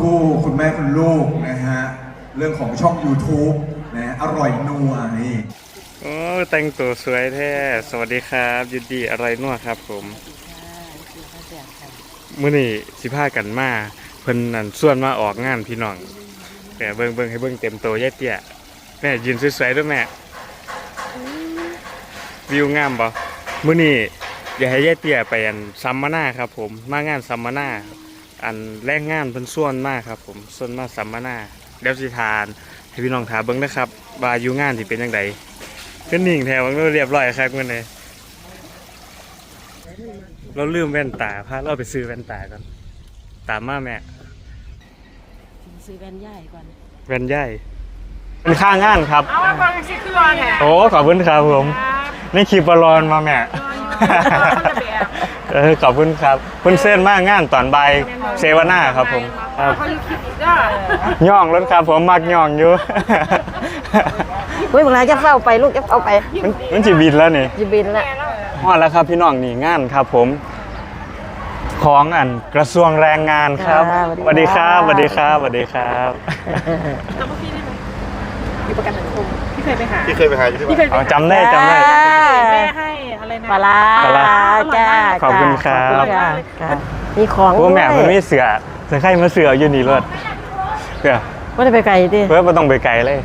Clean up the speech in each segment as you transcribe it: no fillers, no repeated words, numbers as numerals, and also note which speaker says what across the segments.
Speaker 1: คู่คุณแม่คุณลูกนะฮะเรื่องของช่อง YouTube นะอร่อยนัวนี่
Speaker 2: โอ้แต่งตัวสวยแท้สวัสดีครับยินดีอร่อยนัวครับผมมื้อนี้สิพากันมาเพิ่นนั่นส่วนมาออกงานพี่น้องแม่เบิ่งให้เบิ่งเต็มโตยายเตี้ยแม่ยืนสวยๆด้วยแม่วิวงามบ่มื้อนี้อยากให้ยายเตี้ยไปอันสัมมนาครับผมมางานสัมมนาอันแรงงานเพิ่นส่วนมากครับผมส่วนมาสัมมนาเดี๋ยวสิทานให้พี่น้องถามเบิ่งนะครับว่าอยู่งานสิเป็นจังไดก็นิ่งแถวมันเรียบร้อยครับมื้อนี้เราลืมแว่นตาพาเราไปซื้อแว่นตาก่อนตามมาแม่
Speaker 3: ซื้อแว่นใหญ่ก่อน
Speaker 2: แว่นใหญ่เป็นค่างานครับ
Speaker 3: เอามาก่อนสิคือว่าเนี่ย
Speaker 2: โอ้ขอบคุณครับผมนี่คลิปบอลอนมาแม่ขอบคุณครับคุณเส้นมากงานตอนบ่ายเซวนาครับผมครับย่องรถครับผมมักย่องอยู่
Speaker 3: เฮ้ยเวลาจะเฝ้าไปลูกจะเฝ้าไป
Speaker 2: มันจีบินแล้วนี่
Speaker 3: จีบินแล้ว
Speaker 2: ฮอดแล้วครับพี่น้องนี่งานครับผมของอันกระทรวงแรงงานครับสวัสดีครับสวัสดีครับสวัสดีครับ
Speaker 3: อยู่ประกันสังคมพี่เคยไปหา
Speaker 2: จำได้
Speaker 3: แม่ให้อะไรนะปลาจ้า
Speaker 2: ขอบคุณครับ
Speaker 3: มีของ
Speaker 2: พวกแม่มันไม่เสือไข่มาเสืออยู่นี่รถเสือ
Speaker 3: ว่าจะไปไกลดิ
Speaker 2: เพื่อไม่ต้องไปไกลเลย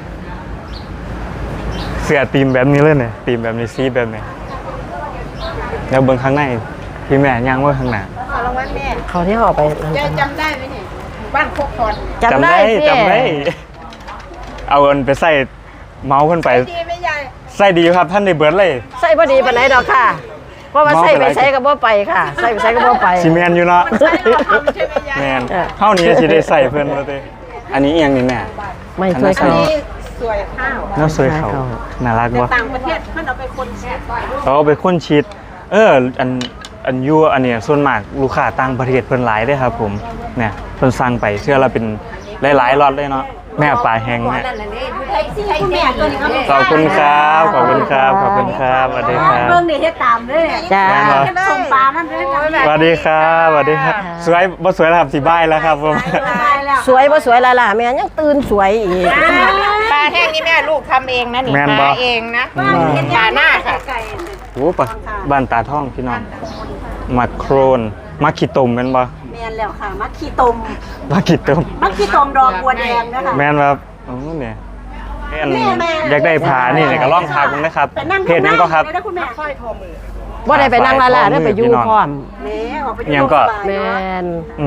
Speaker 2: เสือตีมแบบนี้เลยเนี่ยตีมแบบนี้ซีแบบนี้แล้วเบิ้งข้างในพี่แม่ย่างว่าข้างหน้า
Speaker 3: ขอรางวัลแม่เขาที่ห่อไปจำได้ไหมเนี่ยบ้านโคกคอน
Speaker 2: จำได้เอาเงินไปใส่เมาส์ขึ้นไปใส่ดีครับท่านในเบิร์ดเลย
Speaker 3: ใส่พอดีปานไหนดอกค่ะเพราะว่าใส่ไปใช้กับบ่ไปค่ะใส่ไปใช้กับบ่ไป
Speaker 2: ซีเมนอยู่เนาะแมนเท่านี้จะได้ใส่เพื่อนเราเลยอันนี้เอียงนี่แม่
Speaker 3: ไม่ช่วยเขา
Speaker 2: สวยข้าวน่าสวยเขาน่ารักวะ
Speaker 3: ต่างประเทศมันเอาไปคนชีด
Speaker 2: เอาไปคนชีดอันยั่วอันเนี้ยส่วนมากลูกค้าต่างประเทศเพิ่นหลายได้ครับผมเนี่ยเพิ่นสั่งไปเชื่อเราเป็นหลายๆล็อตเลยเนาะแม่ปลาแห้งแม่ขอบคุณครับขอบคุณครับขอบคุณครับสวัสดีครับ
Speaker 3: เรื่องนี้ให้ตามเลยจ้าส่งปลานั่นเลย
Speaker 2: สวัสดีครับสวัสดีครับสวยบ่สวยแล้วครับสีใบแล้วครับผม
Speaker 3: สวยบ่สวยล่ะแม่ยังตื่นสวยอีก
Speaker 4: ปลาแห้งนี่แม่ลูกทำเองนะนี่มาเองนะปลาหน้าค่ะ
Speaker 2: โอ้ปะบ้านตาท่องพี่น้องมักโครนมักขี้ตุ่มเป็นบ่
Speaker 3: แม่นแล้วค่ะมักขี้ตม
Speaker 2: มักขี้ตุ่ม
Speaker 3: ดอกบัวแดงนะคะ
Speaker 2: แม่นครับโอ้เนี่ยอยากได้ผ้านี่ก็ล่องพาคุณนะครับเพจนั้นก็ครับ
Speaker 3: ว่าได้ไปนั่งลาลาได้ไปอยู่พร้อม
Speaker 2: ยังก็
Speaker 3: แม่น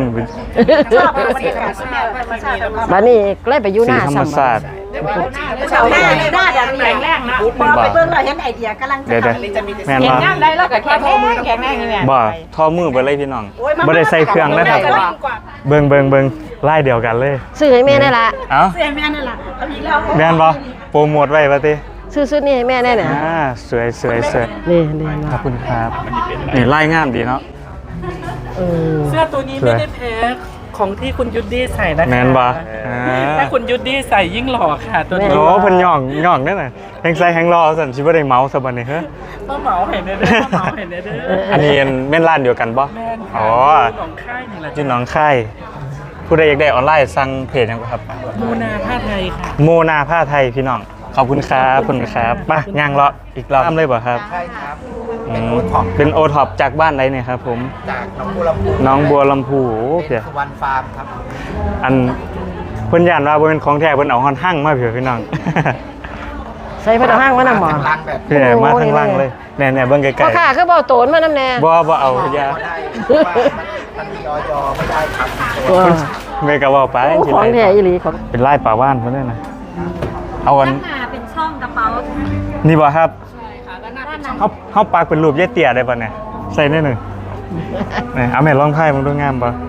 Speaker 3: บ้านนี้ก็เลยไปอยู่หน้า
Speaker 2: ธรรมศาสตร์
Speaker 3: หน้าดังแข็งแรงนะไปเบิ่งเราเห็นไอเดียกำลังจะ
Speaker 2: แม่นบ่
Speaker 4: ได้แล้วก็แข็งแรงนี่แม่
Speaker 2: บ่ท่อมือไปเลยพี่น้องบ่ได้ใส่เครื่องนะครับเบิ่งไล่เดียวกันเลย
Speaker 3: ซื้อให้แม่ได้ละ
Speaker 4: ซื้อให้แม่นั่นล่ะเอาอีกแล้ว
Speaker 2: แม่นบ่โปรโมทไว้ป่ะติ
Speaker 3: ซื้อนี่ให้แม่แน่เนี่ย
Speaker 2: สวย
Speaker 3: นี่
Speaker 2: ขอบคุณครับนี่ไล่งามดีเนาะ
Speaker 5: เสื้อตัวนี้ไม่ได้แพ้ของที่คุณยุดดี้ใส่นะคะ
Speaker 2: แมนบ่
Speaker 5: ถ้าคุณยุดดี้ใส่ยิ่งหล่อค่ะตัวนี้
Speaker 2: โอ้เพิ่นย่องนั่นน่ะแฮงใส่แฮงรอสั่นสิบ่ได้เมาซะบัดนี้เฮ้อ
Speaker 5: ต้องเหมาเห็นเด้อ
Speaker 2: อันนี้แม่นร้านเดียวกันบ่อ๋อ
Speaker 5: หนองค่ายนี่แหละ
Speaker 2: ที่หนองค่ายผู้ใดอยากได้ออนไลน์สั่งเพจหยังครับ
Speaker 5: โมนาผ้าไทยค่ะ
Speaker 2: โมนาผ้าไทยพี่น้องขอบคุณครับขอบคุณครับมาย่างเลาะอีกรอบเลยบ่ครับ
Speaker 6: ใช่ครับ
Speaker 2: เป็นโอท็อปจากบ้านไหนเนี่ยครับผม
Speaker 6: จากน้องบัวลำพู
Speaker 2: เป็น
Speaker 6: สุวรรณฟาร์มครับ
Speaker 2: อันเพิ่นย่านว่าบ่เป็นของแท้เพิ่นเอาฮอนหั่งมาเผื่อพี่น้อง
Speaker 3: ใส่เพิ่นเอาหั่งมานำหมอ
Speaker 2: เพิ่นมาทั้งลังเลยแน่ๆเบิ่งไกลๆ
Speaker 3: บ่ค่ะคือบ่โตนมานำแน่
Speaker 2: บ่เอาอย่า
Speaker 6: มันมีอยไม่ได้ครับ
Speaker 2: เมกะว่าไป
Speaker 3: ของแท้อีหลีของ
Speaker 2: เป็นลายป่าว่านเพิ่นน่ะเอาอัน
Speaker 3: เป็นช่องกระเป๋า
Speaker 2: นี่บ่ครับเฮาปากเป็นรูปยายเตี้ยได้ป่ะเนี่ยใส่แน่หนึ่งนี่เอาแม่ลองไพ่มันดูงามป่ะ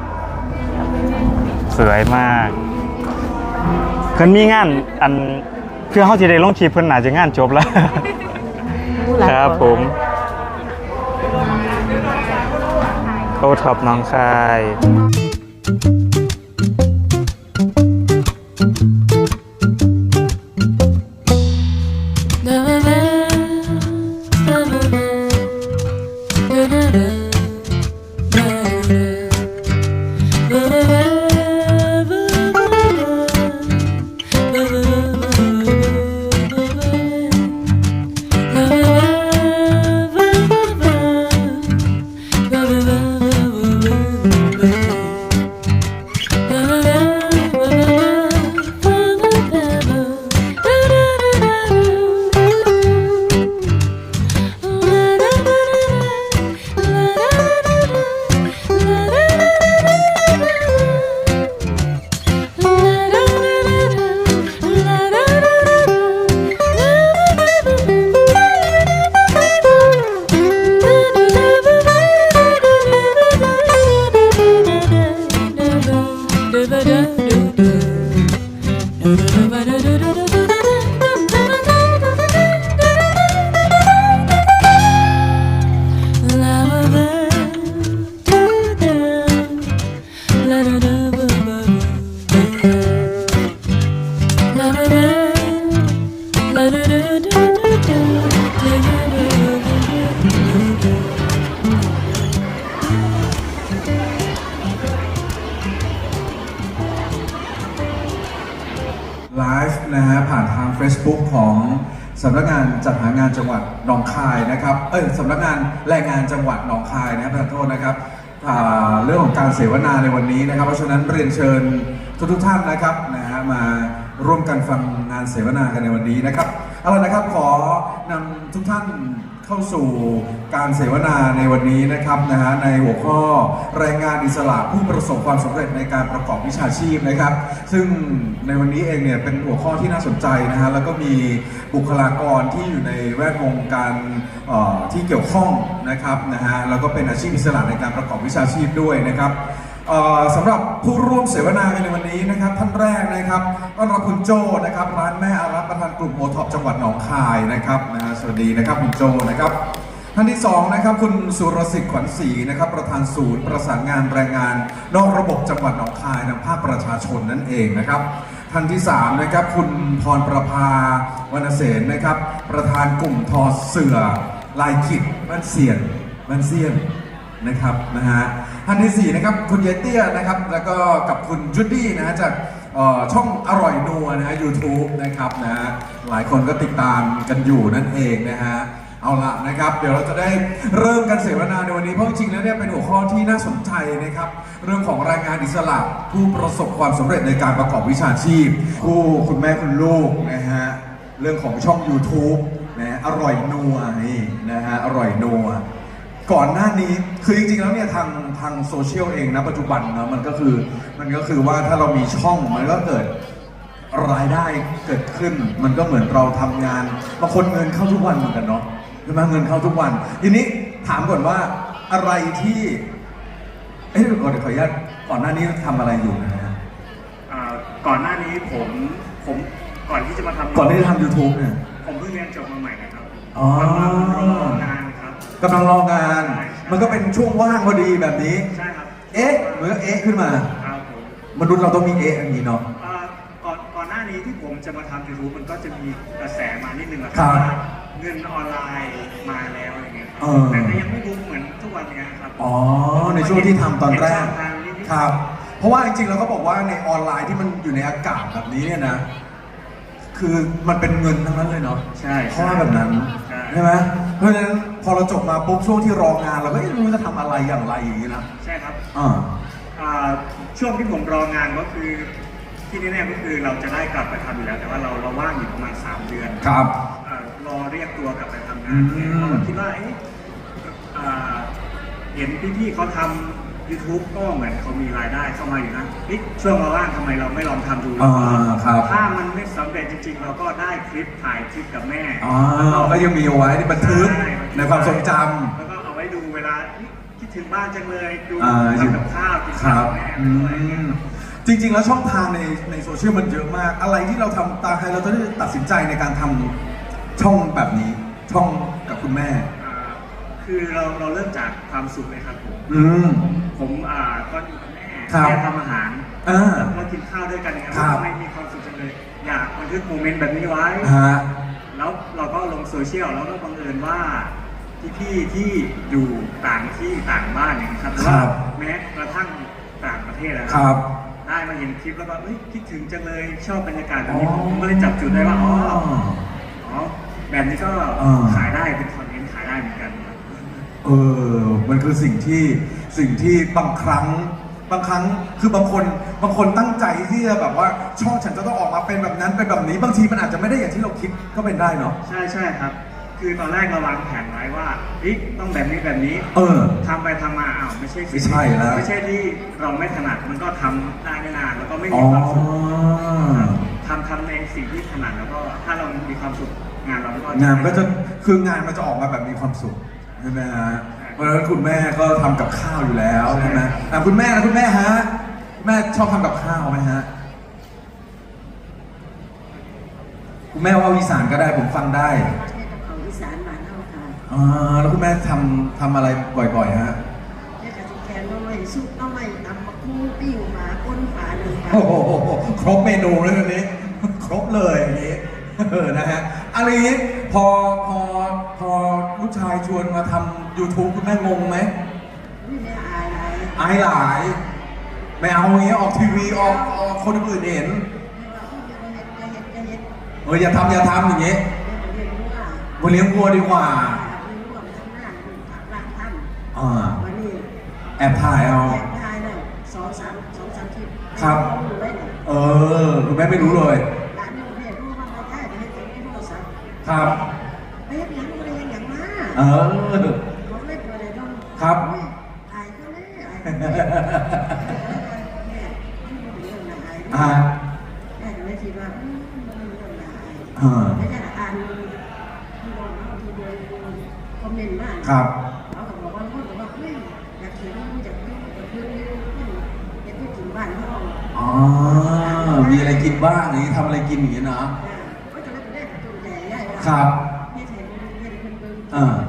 Speaker 2: สวยมากเพิ่นมีงานอันเพื่อเฮาสิได้ลงคลิปเพิ่นน่าจะงานจบแล้วครับผมโอท็อปน้องคาย
Speaker 1: ไลฟ์นะฮะผ่านทาง Facebook ของสำนักงานจัดหางานจังหวัดหนองคายนะครับสำนักงานแรงงานจังหวัดหนองคายนะครับขอโทษนะครับเรื่องของการเสวนาในวันนี้นะครับเพราะฉะนั้นเรียนเชิญทุกท่านนะครับนะฮะมาร่วมกันฟังงานเสวนากันในวันนี้นะครับเอาล่ะนะครับขอนำทุกท่านเข้าสู่การเสวนาในวันนี้นะครับนะฮะในหัวข้อแรงงานอิสระผู้ประสบความสำเร็จในการประกอบวิชาชีพนะครับซึ่งในวันนี้เองเนี่ยเป็นหัวข้อที่น่าสนใจนะฮะแล้วก็มีบุคลากรที่อยู่ในแวดวงการที่เกี่ยวข้องนะครับนะฮะแล้วก็เป็นอาชีพอิสระในการประกอบวิชาชีพด้วยนะครับสำหรับผู้ร่วมเสวนาในวันนี้นะครับท่านแรกนะครับต้อนรับคุณโจนะครับร้านแม่อารักประธานกลุ่มโอท็อปจังหวัดหนองคายนะครับสวัสดีนะครับคุณโจนะครับท่านที่สองนะครับคุณสุรสิทธิ์ขวัญศรีนะครับประธานศูนย์ประสานงานแรงงานนอกระบบจังหวัดหนองคายทางภาคประชาชนนั่นเองนะครับท่านที่สามนะครับคุณพรประภาวรรณเสนนะครับประธานกลุ่มทอเสือลายขิดบ้านเสียนนะครับนะฮะท่านที่4นะครับคุณเยเตี้ยนะครับแล้วก็กับคุณจูดี้นะฮะจากช่องอร่อยนัวนะฮะ YouTube นะครับนะฮะหลายคนก็ติดตามกันอยู่นั่นเองนะฮะเอาละนะครับเดี๋ยวเราจะได้เริ่มกันเสวนาในวันนี้เพราะจริงๆแล้วเนี่ยเป็นหัวข้อที่น่าสนใจนะครับเรื่องของแรงงานอิสระผู้ประสบความสำเร็จในการประกอบวิชาชีพคุณแม่คุณลูกนะฮะเรื่องของช่อง YouTube นะอร่อยนัวนี่นะฮะอร่อยนัวก่อนหน้านี้คือจริงๆแล้วเนี่ยทางโซเชียลเองนะปัจจุบันนะมันก็คือว่าถ้าเรามีช่องมันก็เกิดรายได้เกิดขึ้นมันก็เหมือนเราทำงานบางคนเงินเข้าทุกวันเหมือนกันเนาะใช่ไหมเงินเข้าทุกวันทีนี้ถามก่อนว่าอะไรที่เดี๋ยวก่อนขออนุญาตก่อนหน้านี้ทำอะไรอยู่นะฮะ
Speaker 2: ก่อนหน้านี้ผมก่อนที่จะมาทำ
Speaker 1: ก่อนที่จะทำ YouTube เนี่ย
Speaker 2: ผมเพิ่งเรียนจบมาใหม่นะครับก
Speaker 1: ำ
Speaker 2: ำลัง
Speaker 1: ลัง
Speaker 2: รองานครับ
Speaker 1: กำลังรองาน มันก็เป็นช่วงว่างพอดีแบบนี้
Speaker 2: ใช่ครับ
Speaker 1: เหมือนขึ้นมา
Speaker 2: ครับผม
Speaker 1: มนุษย์เราต้องมีอย่างนี้เนาะ
Speaker 2: ก่อนหน้านี้ที่ผมจะมาทำ YouTube มันก็จะมีกระแสมานิดนึงแหละ
Speaker 1: ครับ
Speaker 2: ว่าเงินออนไลน์มาแล้วอะไรเงี้ยแต่ก็ยังไม่รู้เหมือนทุกวันนี้ครับ
Speaker 1: ในช่วงที่ทำตอนแรก
Speaker 2: ค
Speaker 1: รับ เพราะว่าจริงๆเราก็บอกว่าในออนไลน์ที่มันอยู่ในอากาศแบบนี้เนี่ยนะคือมันเป็นเงินทั้งนั้นเลยเนาะ
Speaker 2: ใช่
Speaker 1: เพราะว่าแบบนั้นใช่ไหมเพราะฉะนั้นพอเราจบมาปุ๊บช่วงที่รองานเราก็ไม่รู้จะทำอะไรอย่างไรอย่างนี้นะ
Speaker 2: ใช่ครับช่วงที่ผมรองานก็คือที่แน่ๆก็คือเราจะได้กลับไปทำอยู่แล้วแต่ว่าเราว่างอยู่ประมาณ3 เดือน
Speaker 1: ครับ
Speaker 2: รอเรียกตัวกลับไปทำงานเราคิดว่าเห็นพี่ๆเขาทำ YouTube ก็เหมือนเขามีรายได้เข้ามาอยู่นะช่วงเราว่างทำไมเราไม่ลองทำดูถ้ามันไม่สำเร็จจริงๆเราก็ได้คลิปถ่ายคลิปกับแม่
Speaker 1: ก็ยังมีเอาไว้ที่บันทึกในความทรงจำ
Speaker 2: แล้วก็เอาไว้ดูเวลาคิดถึงบ้านจังเลยดูทำกับข้าวกินข้าวแม่
Speaker 1: จริงๆแล้วช่องทางในโซเชียลมันเยอะมากอะไรที่เราทำตาใครเราจะได้ตัดสินใจในการทำช่องแบบนี้ช่องกับคุณแม่
Speaker 2: คือเราเริ่มจากความสุขเลยครับผมก็อยู่กับแม่ทำอาหารแล้วกินข้าวด้วยกันครับไม่มีความสุขจังเลยอยากบันทึกโมเมนต์แบบนี้ไว้แล้วเราก็ลงโซเชียลแล้วก็บังเอิญว่าพี่ที่อยู่ต่างที่ต่างบ้านอย่างนี้ครับว่าแม้กระทั่งต่างประเทศแล้วได้มาเห็นคลิปแล้วก็คิดถึงจังเลยชอบบรรยากาศแบบนี้ผมก็เลยจับจุดได้ว่าแบบนี้ก็ขายได้เป็นคอนเทนต์ขายได้เหมือนกัน
Speaker 1: มันคือสิ่งที่บางครั้งคือบางคนตั้งใจที่จะแบบว่าช่องฉันจะต้องออกมาเป็นแบบนั้นเป็นแบบนี้บางทีมันอาจจะไม่ได้อย่างที่เราคิดก็เป็นได้เนาะ
Speaker 2: ใช่ครับคือตอนแรกเราวางแผนไว้ว่าต้องแบบนี้ทำไปทำมาไม่ใช่แล้วไม่ใช่ที่เราไม่ถนัดมันก็ทำได้ไม่นานแล้วก็ไม่มีความสุขทำในสิ่งที่ถนัดแล้วก็ถ้าเรามีความสุขงาน
Speaker 1: ก็จะคืองานมันจะออกมาแบบมีความสุขใช่ไหมฮะเพราะฉะนั้นคุณแม่ก็ทำกับข้าวอยู่แล้วใช่ไหมคุณแม่ฮะแม่ชอบทำกับข้าวไหมฮะคุณแม่ว่าอีสานก็ได้ผมฟังได้
Speaker 3: ของอีสานบ้านเฮาค่ะ
Speaker 1: แล้วคุณแม่ทำอะไรบ่อยๆฮะ
Speaker 3: แม่ก็สิแกงน้ำใหม่ซุปน้ำใหม่ตำมะคู่ปิ้งหมาก้นฝาหนึ่งค่ะ
Speaker 1: โอ้โหครบเมนูเลยวันนี้ ครบเลยอย่างนี้นะฮะอะไรนี้พอลูกชายชวนมาทำ YouTube คุณแม่งงไหม
Speaker 3: นี่แม่อายไร
Speaker 1: อายหลาย ไม่เอาอย่างเงี้ยออกทีวีออกคนอื่นเห็น
Speaker 3: แม่ว่าอย่าเฮ็ด
Speaker 1: อย่าทำอย่างเงี้ย
Speaker 3: แม่ก็เรียนรู้ว่า
Speaker 1: มาเลี้ยงวัวดีกว่า
Speaker 3: มีร่วมทำงานผักร้านท่าน วันนี้
Speaker 1: แอบถ่ายเอา
Speaker 3: แอบถ่ายแล้วสองสามคลิป
Speaker 1: ครับ
Speaker 3: ดูไว้เนี่ย
Speaker 1: คุณแม่ไม่รู้เลย
Speaker 3: ร้านนี้แม่รู้ว่ามาได้จะให้เก็บในโทรศัพท์
Speaker 1: ครับ
Speaker 3: ไปเฮ็ดหยังบ่ได้เฮ็ดหยังมา เขาเล่นอะไรต้อง
Speaker 1: ครับ
Speaker 3: อายก็เลยอายก็เลยแม่ที่มันเรื่องน่าอาย
Speaker 1: อ่า
Speaker 3: แม่ก็เลยคิดว่ามันเรื่องน่าอาย ไม่ใช่อ่านที่ลงที่โดยคอมเมนต์มา
Speaker 1: ครับ
Speaker 3: เขาก็บอกว่าพูดว่าเฮ้ยอยากเขียนอยากพูดอยากพูดอยากพูดถึงบ้านเขา
Speaker 1: มีอะไรกินบ้างอย่างนี้ทำอะไรกินอย่างนี้นะ
Speaker 3: ก็จะเล่นได้ตัวใหญ่ใหญ่
Speaker 1: ครับ
Speaker 3: ไม่ใช่ไม่ได้เป็นเบิ้ง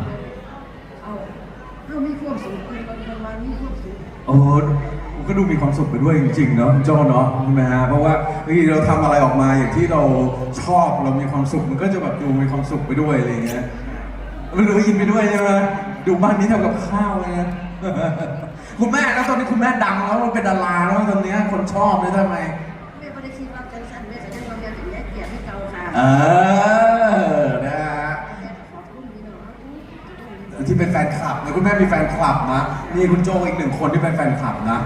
Speaker 3: เอามีความสุขเป็นประมาณมีความสุข
Speaker 1: ผมก็ดูมีความสุขไปด้วยจริงๆเนาะคุณโจ้เนาะใช่ไหมฮะเพราะว่าบางทีเราทำอะไรออกมาอย่างที่เราชอบเรามีความสุขมันก็จะแบบดูมีความสุขไปด้วยอะไรอย่างเงี้ยมันดูยินไปด้วยใช่ไหมดูบ้านนี้ทำกับข้าวเลยนะ คุณแม่แล้วตอนนี้คุณแม่ดังแล้วเป็นดาราแล้วตอนนี้คนชอบเลยทำไม
Speaker 3: แม่ไม่ได้คิดว่าจังสันแม่จะได้มาเรียนอย่างนี้เกียรติให้เก่าค่ะ
Speaker 1: นะฮะ
Speaker 3: ขอบคุณพี่น้อง
Speaker 1: ที่เป็นแฟนคลับนะคุณแม่มีแฟนคลับนะนี่คุณโจอีกหนึ่งคนที่เป็นแฟนคลับนะ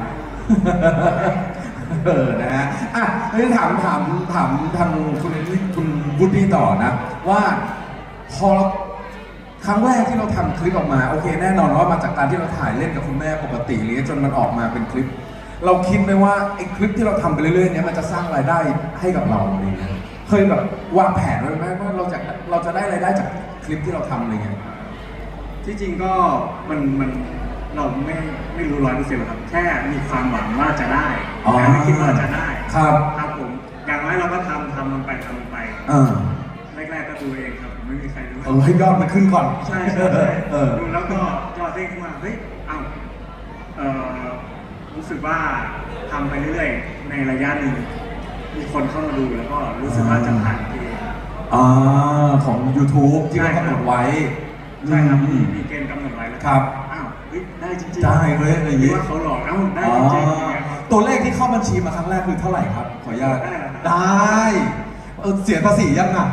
Speaker 1: นะฮะอ่ะนี่ถามทางคุณวุฒิต่อนะว่าพอครั้งแรกที่เราทำคลิปออกมาโอเคแน่นอนว่ามาจากการที่เราถ่ายเล่นกับคุณแม่ปกติเลยจนมันออกมาเป็นคลิป เราคิดไหมว่าไอ้คลิปที่เราทำไปเรื่อยๆเนี้ยมันจะสร้างรายได้ให้กับเราอะไรเงี้ยเคยแบบวางแผนไว้ไหมว่าเราจะได้รายได้จากคลิปที่เราทำอะไรเงี้ย
Speaker 2: ที่จริงก็มันเราไม่รู้100%หรอกครับ แค่มีความหวังว่าจะได้
Speaker 1: อ๋อ
Speaker 2: แต่ไม่คิดว่าจะได้
Speaker 1: ครับ
Speaker 2: ครับผมอย่างน้อยเราก็ทำมันไปไป แรกๆก็ดูเองครับผมไม่มีใครรู้
Speaker 1: ให้ยอดมันขึ้นก่อน
Speaker 2: ใช่ดูแล้วก็ยอดเด้งขึ้นมาเฮ้ยรู้สึกว่าทำไปเรื่อยๆในระยะหนึ่งมีคนเข้ามาดูแล้วก็รู้สึกว่าจะผ่านเกณฑ์
Speaker 1: ของ YouTube ที่เขากำหนดไว้
Speaker 2: ใช่ครับมีเกณฑ์กำหนดไว้แล้ว
Speaker 1: ครับ
Speaker 2: เฮ้ยได้จริงๆ
Speaker 1: ได้เว้ยอะไรอย่างงี้
Speaker 2: ว่าเขาหลอกได้จริงๆ
Speaker 1: ตัวเลขที่เข้าบัญชีมาครั้งแรกคือเท่าไหร่ครับ ขออนุญาต
Speaker 2: ได้เหรอครับ
Speaker 1: ได้เสียภาษียังอ่ะ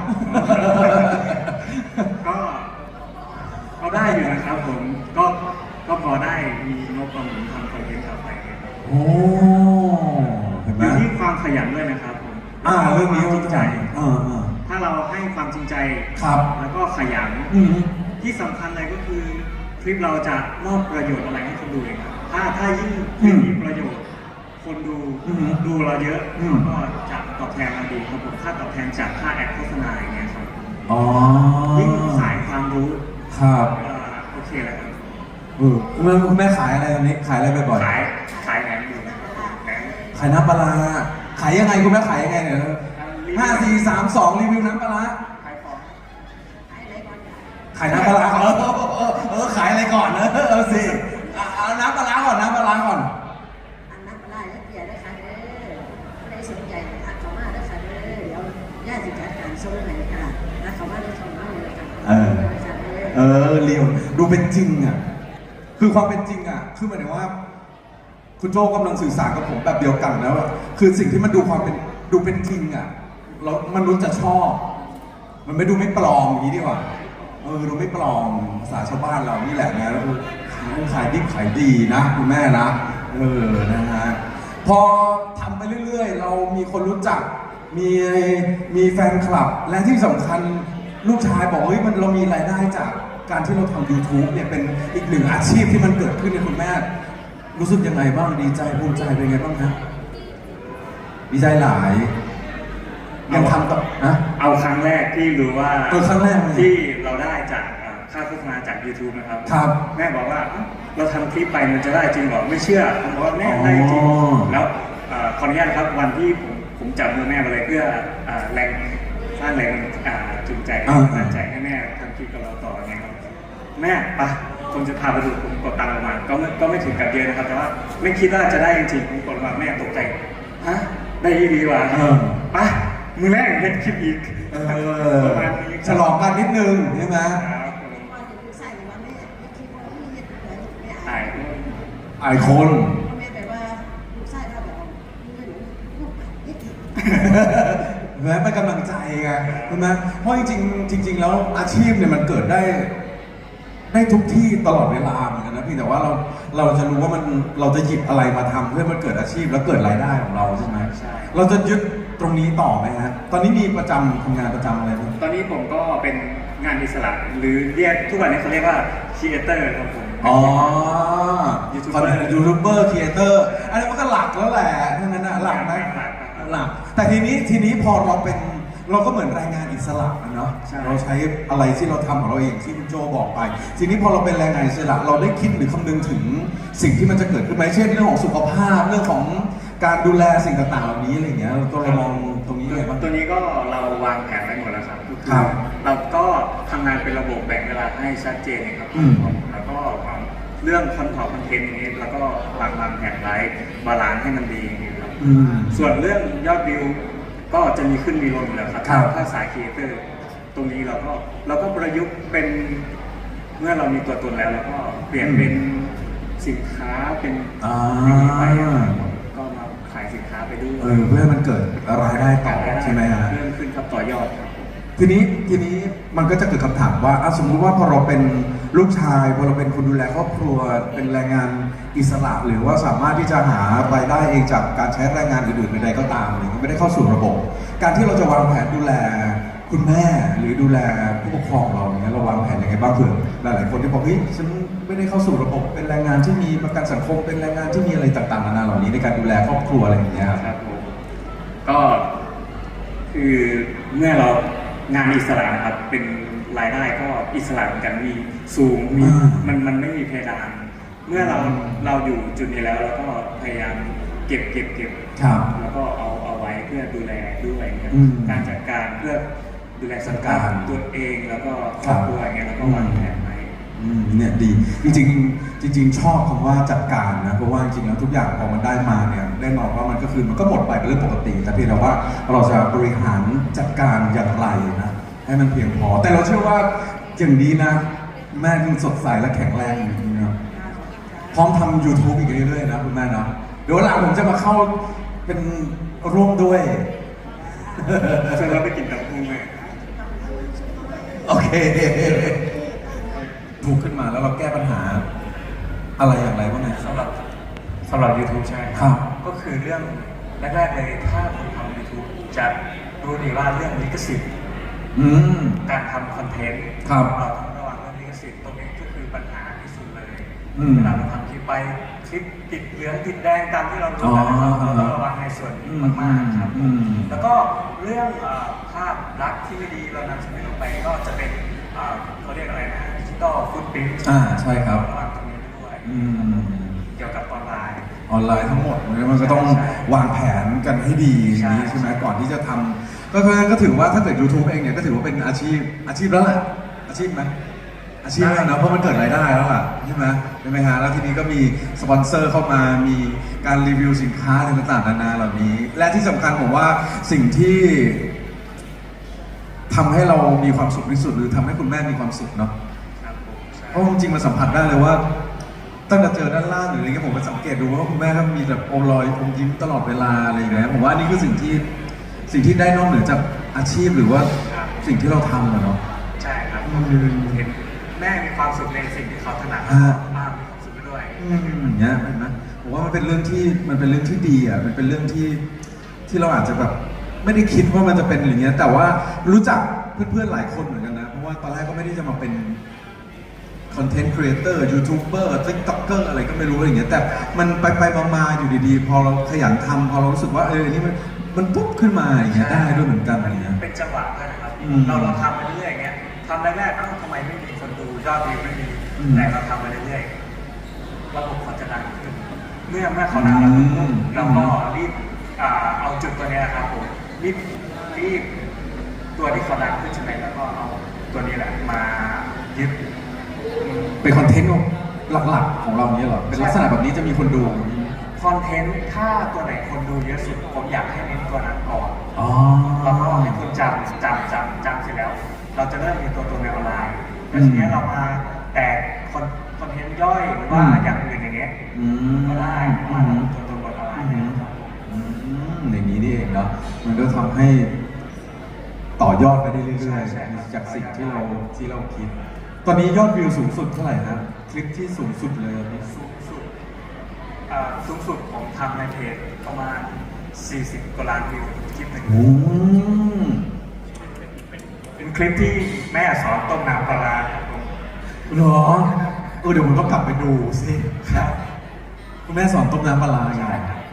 Speaker 2: ก็ได้อยู่นะครับผมก็พอได้มีงบประมาณทำคอนเทนต์ต่อไปครับ
Speaker 1: โอ้เห็น
Speaker 2: อ
Speaker 1: ไหม
Speaker 2: ยู่ที่ความขยันด้วยนะครับผม
Speaker 1: เรื่องนี้
Speaker 2: ความจริงใจ
Speaker 1: อ่า
Speaker 2: ถ้าเราให้ความจริงใจ
Speaker 1: ครับ
Speaker 2: แล้วก็ขยัน
Speaker 1: อืม
Speaker 2: ที่สำคัญเลยก็คือคลิปเราจะมอบประโยชน์อะไรให้คนดูเองครับถ้ายิ่งมีประโยชน์ คนดูเราเยอะก็จะตอบแทนเราดีครับผมค่าตอบแทนจากค่าแอดโฆษณาอย่างเงี้ยครับ
Speaker 1: อ๋อ
Speaker 2: ยิ่งสายความรู้
Speaker 1: ครับ
Speaker 2: โอเคเลยครับ
Speaker 1: คุณแม่ขายอะไรตอนนี้ขายอะไรบ่อย
Speaker 2: ขายแหนมอยู่นะครับแหนม
Speaker 1: ๆขายน้ำปลาร้าขายยังไงคุณแม่ขายยังไงเนี่ย5 4 3 2รีวิวน้ำปลาร้า
Speaker 2: ขายของ
Speaker 1: ขายน้ำปลาร้าขายอะไรก่อนนะสิเอาน้ำปลาร้าก่อนน้ำปลาร้าก่อน
Speaker 3: อันนั้นได้แล้วเกียรติได้ค่ะได้สนใจทักเขามาได้ค่ะเดี๋ยวญาติจัดการส่งให้ค่ะแล้วเขามาได้ส่งมาเลยค่ะ
Speaker 1: เรียวดูเป็นจริงอ่ะคือความเป็นจริงอ่ะคือหมายถึงว่า คุณโจกำลังสื่อสารกับผมแบบเดียวกันแล้วอะคือสิ่งที่มันดูเป็นจริงอ่ะแล้วมันรู้จะชอบ มันไม่ดูไม่ปลอมอย่างนี้ดีกว่าดูไม่ปลอมภาษาชาวบ้านเรานี่แหละนะแล้วขายดิบขายดีนะคุณแม่นะนะฮะพอทำไปเรื่อยๆเรามีคนรู้จักมีแฟนคลับและที่สำคัญลูกชายบอกเฮ้ยเรามีรายได้จากการที่เราทำ YouTube เนี่ยเป็นอีกหนึ่งอาชีพที่มันเกิดขึ้นในคุณแม่รู้สึกยังไงบ้างดีใจภูมิใจเป็นไงบ้างฮะดีใจหลายยังทำต่อนะ
Speaker 2: เอาครั้งแรกที่รู้ว่า
Speaker 1: ครั้งแรกเลย
Speaker 2: ที่เราได้จากค่าโฆษณาจาก YouTube นะครับ
Speaker 1: ครับ
Speaker 2: แม่บอกว่าเราทำคลิปไปมันจะได้จริงเหรอไม่เชื่อผมบอกว่าแม่ได้จริงแล้วขออนุญาตนะครับวันที่ผมจับมือแม่มาเลยเพื่อแรงสร้างแรงจูงใจกำลังใจให้แม่ทำคลิปกับเราต่อไงครับแม่ปะผมจะพาไปดูผมกดตังค์ออกมาก็ไม่ถึงกับเยอะนะครับแต่ว่าไม่คิดว่าจะได้จริงๆผมกดมาแม่ตกใจฮะได้ดีว่ะปะมือแรกเห็นคลิปอีกประมาณนี้
Speaker 1: ฉลองกันนิดนึงใช่ไหม
Speaker 2: ครับผม
Speaker 3: ว่าจะลูกใส่ว่าแม่ไม่คิดว่าไม่เห็นเลยไม่
Speaker 2: ถ่าย
Speaker 1: ไอคน
Speaker 3: แม่แบบว่าลูกใส่เราแบบไม่รู้ลูกไม่ถึง
Speaker 1: แม้เป็นกำลังใจไงใช่ไหมเพราะจริงๆแล้วอาชีพเนี่ยมันเกิดได้ทุกที่ตลอดเวลาเหมือนกันนะพี่แต่ว่าเราจะรู้ว่าเราจะหยิบอะไรมาทำเพื่อมันเกิดอาชีพแล้วเกิดรายได้ของเราใช่ไหม
Speaker 2: ใช่
Speaker 1: เราจะยึดตรงนี้ต่อไหมฮะตอนนี้มีทำงานประจำอะไรไหม
Speaker 2: ตอนนี้ผมก็เป็นงานอิสระหรือเรียกทุกวันนี้เขาเรียกว่าครีเอเตอร์ครับผม
Speaker 1: อ๋อ
Speaker 2: ยูทูบเบอร์
Speaker 1: ยูทูบเบอร์ครีเอเตอร์อันนี้มันก็หลักแล้วแหละทั้งนั้นนะหลักไหมหลักแต่ทีนี้พอเราก็เหมือนแรงงานอิสระนะเนาะ
Speaker 2: ใช่
Speaker 1: เราใช้อะไรที่เราทำของเราเองที่คุณโจบอกไป ทีนี้พอเราเป็นแรงงานอิสระเราได้คิดหรือคำนึงถึงสิ่งที่มันจะเกิดขึ้นไหมเช่นเรื่องของสุขภาพเรื่องของการดูแลสิ่งต่างๆเหล่านี้อะไรอย่างเงี้ยเรามองตรงนี้เลยบ้าง
Speaker 2: ตัวนี้ก็เราวางแผนไว้หมดแล้วครับก็คือ
Speaker 1: ครับ
Speaker 2: เราก็ทำงานเป็นระบบแบ่งเวลาให้ชัดเจนนะครับ
Speaker 1: อืม
Speaker 2: แล้วก็เรื่องคอนเทนต์อย่างนี้แล้วก็วางแผนไว้บาลานซ์ให้มันดีอย่างนี้ครับ
Speaker 1: อืม
Speaker 2: ส่วนเรื่องยอดวิวก็จะมีขึ้นมีลงอยู่แล้วครับ
Speaker 1: ครับ
Speaker 2: ถ้าสายครีเอเตอร์ตรงนี้เราก็ประยุกต์เป็นเมื่อเรามีตัวตนแล้วเราก็เปลี่ยนเป็นสินค้าเป็นอย่างนี้ไปก็มาขายสินค้าไปด้วย
Speaker 1: เพื่อให้มันเกิดรายได้ต่อใช่ไหมฮะ
Speaker 2: เพิ่มขึ้นครับต่อยอดครับ
Speaker 1: ทีนี้มันก็จะเกิดคำถามว่าสมมุติว่าพอเราเป็นลูกชายพอเราเป็นคนดูแลครอบครัวเป็นแรงงานอิสระหรือว่าสามารถที่จะหารายได้เองจากการใช้แรงงานอื่นๆใดๆก็ตามอะไรเงี้ยไม่ได้เข้าสู่ระบบ การที่เราจะวางแผนดูแลคุณแม่หรือดูแลผู้ปกครองเราเนี่ยเราวางแผนยังไงบ้างเผื่อหลายๆคนที่บอกเฮ้ยฉันไม่ได้เข้าสู่ระบบเป็นแรงงานที่มีประกันสังคมเป็นแรงงานที่มีอะไรต่างๆนานาเหล่านี้ในการดูแลครอบครัวอะไรอย่างเงี้ยครับ
Speaker 2: ครับผมก็คือเมื่อเรางานอิสระนะครับเป็นรายได้ก็อิสระเหมือนกันมีสูงมีมันไม่มีเพดานเมื่อเราอยู่จุดนี้แล้วเราก็พยายามเก็บ
Speaker 1: ครับ
Speaker 2: แล้วก็เอาไว้เพื่อดูแลด้วยครับ
Speaker 1: อืม
Speaker 2: การจัดการเพื่อดูแลสุขภาพตัวเองแล้วก็ครอบครัวอย่างเงี้ยแล้วก็วางแผนไว้
Speaker 1: เนี่ยดีจริงชอบคำว่าจัดการนะเพราะว่าจริงๆแล้วทุกอย่างพอมันได้มาเนี่ยแน่นอนว่ามันก็หมดไปเป็นเรื่องปกติแต่เพียงแต่ว่าเราจะบริหารจัดการอย่างไรนะให้มันเพียงพอ แต่เราเชื่อว่าอย่างนี้นะแม่ยังสดใสและแข็งแรงอยู่นะพร้อมทำ YouTube อีกเรื่อยๆนะคุณแม่นะเดี๋ยวหลังผมจะมาเข้าเป็นร่วมด้วย
Speaker 2: เชิญเราไปกินกับพุงเลย
Speaker 1: โอเคถูกขึ้นมาแล้วเราแก้ปัญหาอะไรอย่างไรบ้างเนี่ย
Speaker 2: สำหรับ YouTube ใช่ไหม
Speaker 1: ครับ
Speaker 2: ก็คือเรื่องแรกๆเลยถ้าคนทำ YouTube จะรู้ดีว่าเรื่องลิขสิทธิ์
Speaker 1: อืม
Speaker 2: การทำคอนเทนต์
Speaker 1: ครับ
Speaker 2: เราต้องระวังเรื่องลิขสิทธิ์ตรงนี้ก็คือปัญหาที่สุดเลย
Speaker 1: อืม
Speaker 2: เวลาเราทำคลิปไปคลิปติดเหลืองติดแดงตามที่เรารู้กันนะครับเราต้องระวังในส่วนนี้มากๆครับ
Speaker 1: อืม
Speaker 2: แล้วก็เรื่องภาพลักษณ์ที่ไม่ดีเรานำเสนอไปก็จะเป็นเขาเรียกอะไรนะดิจิตอลฟุตปรินท์
Speaker 1: ใช่ครับ
Speaker 2: ระวังตรงนี้ด้วย
Speaker 1: อืม
Speaker 2: เกี่ยวกับออนไลน์
Speaker 1: ออนไลน์ทั้งหมดมันก็ต้อง
Speaker 2: ใช่
Speaker 1: วางแผนกันให้ดีอย่างนี้
Speaker 2: ใช่
Speaker 1: ใช่ไหมก่อนที่จะทำก็ถือว่าถ้าเกิด YouTube เองเนี่ยก็ถือว่าเป็นอาชีพแล้วแหละอาชีพไหมอาชีพแล้วนะเพราะมันเกิดรายได้แล้วล่ะใช่ไหมฮะแล้วทีนี้ก็มีสปอนเซอร์เข้ามามีการรีวิวสินค้าต่างๆนานาเหล่านี้ และที่สำคัญผมว่าสิ่งที่ทำให้เรามีความสุขที่สุดหรือทำให้คุณแม่มีความสุขเนาะ
Speaker 2: ครับผมใช่
Speaker 1: เพราะจริงๆมันสัมผัสได้เลยว่าตั้งแต่เจอด้านล่างหรืออะไรเงี้ยผมก็สังเกตดูว่าคุณแม่ก็มีแบบอมรอยอมยิ้มตลอดเวลาอะไรอย่างเงี้ยผมว่านี่คือสิ่งที่ได้นอกเหนือจากอาชีพหรือว่าสิ่งที่เราทำอะเนาะ
Speaker 2: ใช่ครับ
Speaker 1: อืม
Speaker 2: คือเห็นแม่มีความสุขในสิ่งที่เขาถนัด
Speaker 1: อ่า
Speaker 2: ป้ามีความสุขไปด้วย
Speaker 1: อย่างเงี้ยเห็นไหมผมว่ามันเป็นเรื่องที่ดีอ่ะมันเป็นเรื่องที่เราอาจจะแบบไม่ได้คิดว่ามันจะเป็นอย่างเงี้ยแต่ว่ารู้จักเพื่อนๆหลายคนเหมือนกันนะเพราะว่าตอนแรกก็ไม่ได้จะมาเป็นคอนเทนต์ครีเอเตอร์ยูทูบเบอร์ติ๊กต็อกเกอร์อะไรก็ไม่รู้อะไรอย่างเงี้ยแต่มันไปมาอยู่ดีๆพอเราขยันทำพอเรารู้สึกว่าอันนี้มันปุ๊บขึ้นมาอย่างเงี้ยได้ด้วยเหมือนกันอะไรเงี้ย
Speaker 2: เป็นจังหวะด้วยนะครับ
Speaker 1: อืม
Speaker 2: เราทำไปเรื่อยๆอย่างเงี้ยทำแรกๆทำไมไม่มีคนดูยอดวิวไม่มี
Speaker 1: อืม
Speaker 2: แต่เราทำไปเรื่อยๆระบบเขาจะดังขึ้นเมื่อเขาดังแล้ว
Speaker 1: อืม
Speaker 2: เราก็รีบเอาจุดตัวเนี้ยครับผมรีบตัวที่เขาดังขึ้นใช่ไหมแล้วก็เอาตัวนี้แหละมายึด
Speaker 1: เป็นคอนเทนต์หลักๆของเราเนี้ยเหรอเป็นลักษณะแบบนี้จะมีคนดู
Speaker 2: คอนเทนต์ถ้าตัวไหนคนดูเยอะสุดผมอยากให้เน้นตัวนั้นก่อน
Speaker 1: อ๋อ
Speaker 2: แล้วก็ให้คนจำเสร็จแล้ว เราจะเริ่มมีตัวในออนไลน์แล้วทีนี้เรามาแต่คอนเทนต์ย่อยหรือว่าอย่างอื่นอย่างเงี้ยก็ได้มาตัวบนออนไลน์นะครับ
Speaker 1: อย่างนี้นี่เองเนาะมันก็ทำให้ต่อยอดไปได้เรื่อยๆจากสิ่งที่เราคิด ตอนนี้ยอดวิวสูงสุดเท่าไหร่ครับคลิปที่สูงสุดเลย
Speaker 2: สูงสุดผมทำในเพจประมาณ40 กว่าล้านวิวคลิปหนึ่ง
Speaker 1: โอ้
Speaker 2: เป็นคลิปที่แม่สอนต้มน้ำปลาร้าครับผม
Speaker 1: เหรอเดี๋ยวผมต้องกลับไปดูสิครับคุณแม่สอนต้มน้ำปลาร้าไง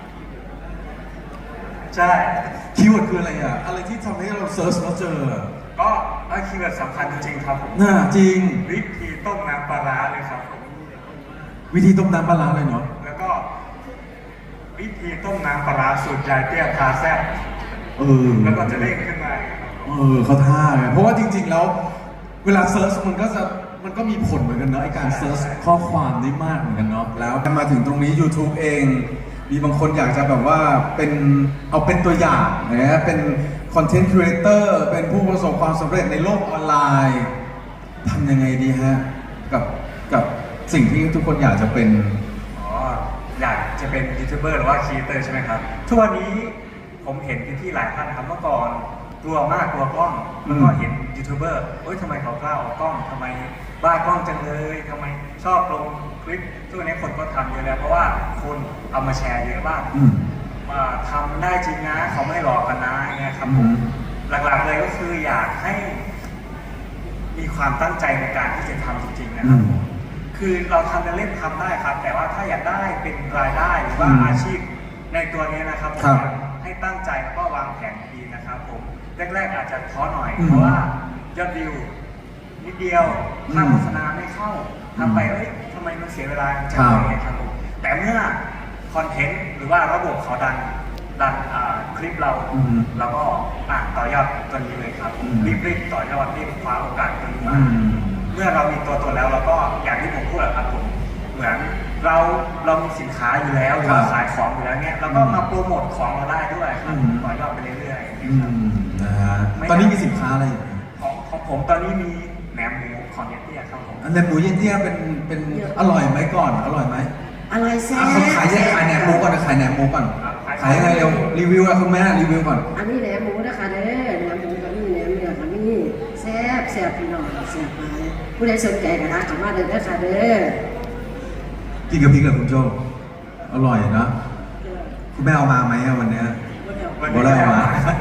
Speaker 2: ใช่
Speaker 1: คีย์เวิร์ดคืออะไรอ่ะอะไรที่ทำให้เราเซิร์ชแล้วเจอ
Speaker 2: ก็คีย์เวิร์ดสำคัญจริงๆครับผม
Speaker 1: น่าจริง
Speaker 2: วิธีต้มน้ำปลาร้าเลยครับผม
Speaker 1: วิธีต้มน้ำปลาร้าเลยเนาะ
Speaker 2: แล้วก็วิธีต้มน้ำปลาร้าสูตรยายเตี้ยพาแซ่บ แล้วก็จะเด้งขึ้นมาครับ
Speaker 1: เขาท่าไงเพราะว่าจริงๆแล้วเวลาเซิร์ชมันก็มีผลเหมือนกันเนาะไอการเซิร์ชข้อความได้มากเหมือนกันเนาะแล้วมาถึงตรงนี้ YouTube เองมีบางคนอยากจะแบบว่าเป็นตัวอย่างนะเป็นคอนเทนต์ครีเอเตอร์เป็นผู้ประสบความสำเร็จในโลกออนไลน์ทำยังไงดีฮะกับสิ่งที่ทุกคนอยากจะเป็น
Speaker 2: อยากจะเป็นยูทูบเบอร์หรือว่าครีเอเตอร์ใช่ไหมครับทุกวันนี้ผมเห็นพี่ๆหลายท่านนะครับเมื่อก่อนกลัวมากกลัวกล้องแล้วก็เห็นยูทูบเบอร์ทำไมเขากล้าออกกล้องทำไมบ้ากล้องจังเลยทำไมชอบลงคลิปทุกวันนี้คนก็ทำเยอะแล้วเพราะว่าคนเอามาแชร์เยอะมากทำได้จริงนะเขาไม่หลอกกันนะอย่างเงี้ยครับผมหลักๆเลยก็คืออยากให้มีความตั้งใจในการที่จะทำจริงๆนะครับคือเราทำเล่นทำได้ครับแต่ว่าถ้าอยากได้เป็นรายได้หรือว่าอาชีพในตัวนี้นะครับผมให้ตั้งใจแล้วก็วางแผนดีนะครับผมแรกๆอาจจะท้อหน่อยเพราะว่ายอดวิวนิดเดียวค่าโฆษณาไม่เข้าทำไปทำไมมันเสียเวลาจังเลยครับผมแต่เมื่อคอนเทนต์หรือว่าระบบเขาดันคลิปเราก็ต่อยอดตัวนี้เลยครับรีบต่อยอดรีบคว้าโอกาสตัวนี้มาเมื่อเรามีตัวตนแล้วเราก็อย่างที่ผมพูดครับผมเหมือนเรามีสินค้าอยู่แล้วหรือว่าขายของอยู่แล้วเนี่ยเราก็มาโปรโมทของเราได้ด้วยครับต่อยอดไปเรื่อยๆ
Speaker 1: นะฮะตอนนี้มีสินค้าอะไรอยู่
Speaker 2: ของผมตอนนี้มีแหนมหมูของเยเตี้ยครับผม
Speaker 1: แหนมหมูเยเตี้ยเป็นอร่อยไหมก่อนอร่อยไหม
Speaker 3: อะไรแซ่บ
Speaker 1: ขายแหนมหมูก่อนขายแหนมหมูก่อนขายยังไงเร็วรีวิวอะคุณแม่รีวิวก่อน
Speaker 3: อันนี้แหนมหมูนะคะเด้อแหนมหมูกับนี่แหนมเนื้อกับนี่แซ่บพี่น้องแซ่บมาผู้ใดสนใจก็ทักเข้ามาเด้อค่ะเด้อ
Speaker 1: กินกับพริกกับคุณโจอร่อยนะคุณแม่เอามาไหมวันนี้บ่ได้เอามา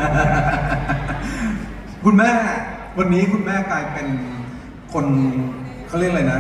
Speaker 1: คุณแม่วันนี้คุณแม่กลายเป็นคนเขาเรียกอะไรนะ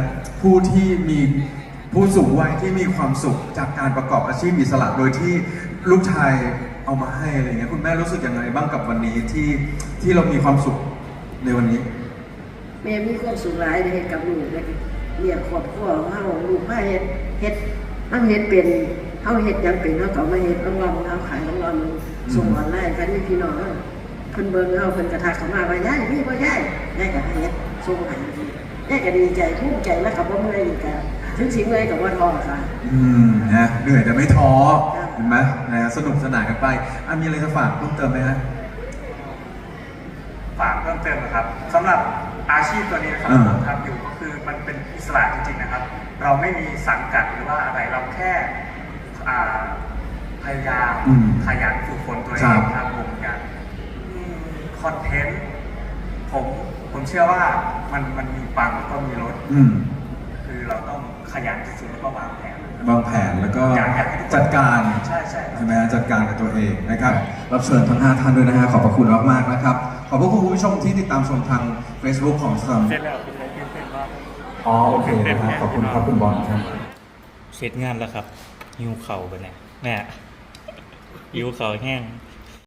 Speaker 1: ผู้สูงวัยที่มีความสุขจากการประกอบอาชีพอิสระโดยที่ลูกชายเอามาให้อะไรเงี้ยคุณแม่รู้สึกยังไงบ้างกับวันนี้ที่เรามีความสุขในวันนี้
Speaker 3: แม่มีความสุขหลายในเหตุกับลูกและเลี้ยงครอบครัวของเฮาลูกมาเฮ็ดมันเฮ็ดเป็นเฮาเฮ็ดยังเป็นเฮาก็มาเฮ็ดรางวัลเฮาขายรางวัลส่งออนไลน์กันนี่พี่น้องเพิ่นเบิ่งเฮาเพิ่นกระทักเข้ามาว่ายายมีบ่ยายก็ให้เฮ็ดส่งให้ยายก็ดีใจภูมิใจแล้วก็บ่เมื่อยอีกก็ถึงสิเมื่อยก็บ่ท้อค่ะ
Speaker 1: นะเหนื่อยแต่ไม่ท้อเห็นไหมนะสนุกสนานกันไปมีอะไรจะฝากเพิ่มเติมไหมฮะ
Speaker 2: ฝากเพิ่มเติมนะครับสำหรับอาชีพตัวนี้นะครับผมทำอยู่ก็คือมันเป็นอิสระจริงๆนะครับ เราไม่มีสังกัดหรือว่าอะไรเราแค่พยายามขยันฝึกฝนตัวเองครับผมอย่างคอนเทนต์ผมเชื่อว่ามันมีปังก็มีลดคือเราต้องขยันสุดๆแล้วก็วางแผน
Speaker 1: แล้วก็จัดการใช่ไหมจัดการกับตัวเองนะครับรับเชิญทั้ง5ท่านด้วยนะฮะขอบพระคุณมากๆนะครับขอบพระคุณคุณผู้ชมที่ติดตามชมทาง Facebook ของซัมโอเคนะครับขอบคุณครับคุณบอลครับ
Speaker 2: เสร็จงานแล้วครับหิวเข่าไปเนี่ยหิวเข่าแห้ง